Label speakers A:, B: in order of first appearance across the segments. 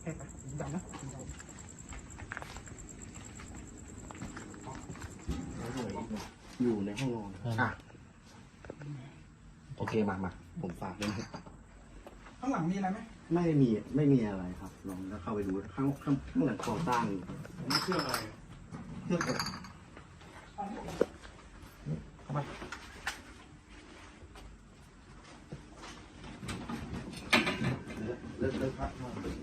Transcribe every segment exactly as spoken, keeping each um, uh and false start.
A: แค่ไปดำนะ
B: อยู่ในห้องนอนอ่ะโอเคมามาผมฝากด้วย
A: ข้างหลังมีอะไรไหม
B: ไม่มีไม่มีอะไรครับลองแล้วเข้าไปดูข้างข้างข้างหลังก่อสร้างนี่เครื่องอะไรเครื่องอบเข้ามาเลิกเลิกพัก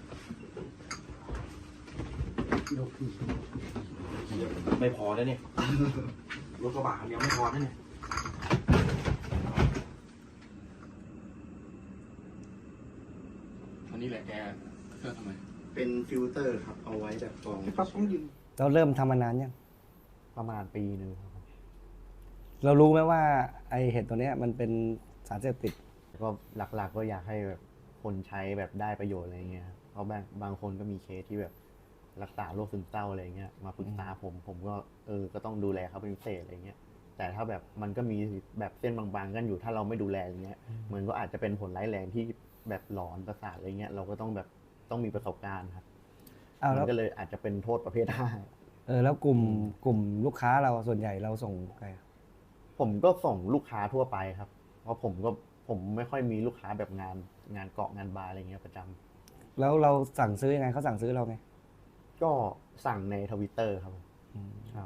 B: ไม่พอแล้วเนี่ยรถกระบะคันเดียวไม่พอแล้วเนี่ย
C: อันนี้แหละแกเครื่องทำไม
B: เป็นฟิลเตอร์ครับเอาไว้แบบกรอง
A: ครับต้องยืน
D: เราเริ่มทำมานานยัง
B: ประมาณปีหนึ่งครับ
D: เรารู้ไหมว่าไอเห็ดตัวเนี้ยมันเป็นสารเสพติด
B: ก็หลักๆก็อยากให้แบบคนใช้แบบได้ประโยชน์อะไรเงี้ยเพราะบางบางคนก็มีเคสที่แบบรักษาโรคซึมเศร้าอะไรเงี้ยมาปรึกษาผมผมก็เออก็ต้องดูแลเขาเป็นพิเศษอะไรเงี้ยแต่ถ้าแบบมันก็มีแบบเส้นบางๆกันอยู่ถ้าเราไม่ดูแลอย่างเงี้ยมันก็อาจจะเป็นผลร้ายแรงที่แบบหลอนประสาทอะไรเงี้ยเราก็ต้องแบบต้องมีประสบการณ์ครับ
D: เอาแล้ว
B: มันก็เลยอาจจะเป็นโทษประเภทห้า
D: เออแล้วกลุ่มกลุ่มลูกค้าเราส่วนใหญ่เราส่งใครอะ
B: ผมก็ส่งลูกค้าทั่วไปครับ เพราะผมก็ผมไม่ค่อยมีลูกค้าแบบงานงานเกาะงานบาร์อะไรเงี้ยประจำ
D: แล้วเราสั่งซื้อยังไงเขาสั่งซื้อเราไง
B: ก็สั่งในทวิตเตอร์ครับผมครับ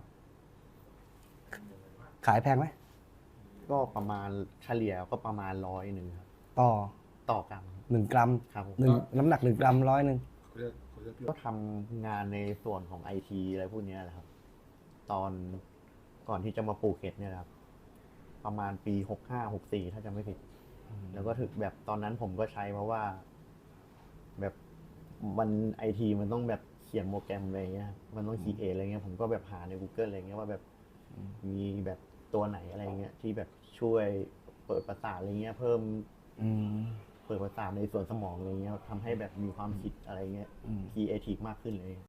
D: ขายแพงไหม
B: ก็ประมาณเฉลี่ยก็ประมาณร้อยหนึ่งครับ
D: ต่อ
B: ต่อกรัม
D: หนึ่งกรัม
B: ครับผม
D: หนึ่งน้ำหนักหนึ่งกรัมร้อยหนึ่ง
B: ก็ทำงานในส่วนของไอทีอะไรพวกเนี้ยแหละครับ ตอนก่อนที่จะมาปลูกเห็ดเนี่ยครับ ประมาณปีหกห้าหกสี่ถ้าจำไม่ผิด แล้วก็ถึงแบบตอนนั้นผมก็ใช้เพราะว่า แบบมันไอทีมันต้องแบบเขียนโปรแกรมอะไรเงี้ยมันต้องคีเออะไรเงี้ยผมก็แบบหาใน Google อะไรเงี้ยว่าแบบมีแบบตัวไหนอะไรเงี้ยที่แบบช่วยเปิดประสาทอะไรเงี้ยเพิ่ม
D: อืม
B: เปิดประสาทในส่วนสมองอะไรเงี้ยทำให้แบบมีความคิดอะไรเงี้ยครีเอทีฟมากขึ้นเลย